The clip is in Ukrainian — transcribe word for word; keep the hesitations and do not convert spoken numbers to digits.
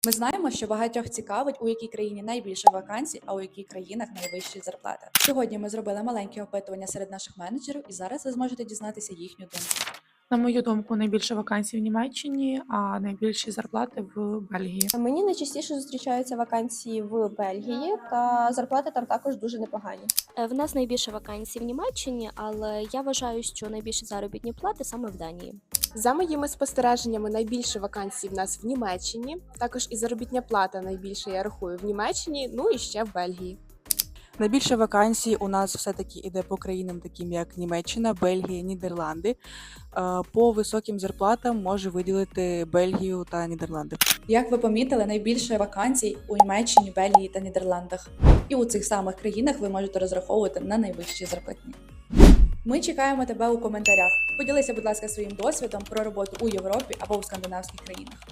Ми знаємо, що багатьох цікавить, у якій країні найбільше вакансій, а у яких країнах найвищі зарплати. Сьогодні ми зробили маленьке опитування серед наших менеджерів, і зараз ви зможете дізнатися їхню думку. На мою думку, найбільше вакансій в Німеччині, а найбільші зарплати в Бельгії. Мені найчастіше зустрічаються вакансії в Бельгії, та зарплати там також дуже непогані. Е, В нас найбільше вакансій в Німеччині, але я вважаю, що найбільші заробітні плати саме в Данії. За моїми спостереженнями, найбільше вакансій в нас в Німеччині. Також і заробітня плата найбільше, я рахую, в Німеччині, ну і ще в Бельгії. Найбільше вакансій у нас все-таки іде по країнам, таким як Німеччина, Бельгія, Нідерланди. Е, По високим зарплатам може виділити Бельгію та Нідерланди. Як ви помітили, найбільше вакансій у Німеччині, Бельгії та Нідерландах. І у цих самих країнах ви можете розраховувати на найвищі зарплатні. Ми чекаємо тебе у коментарях. Поділися, будь ласка, своїм досвідом про роботу у Європі або у скандинавських країнах.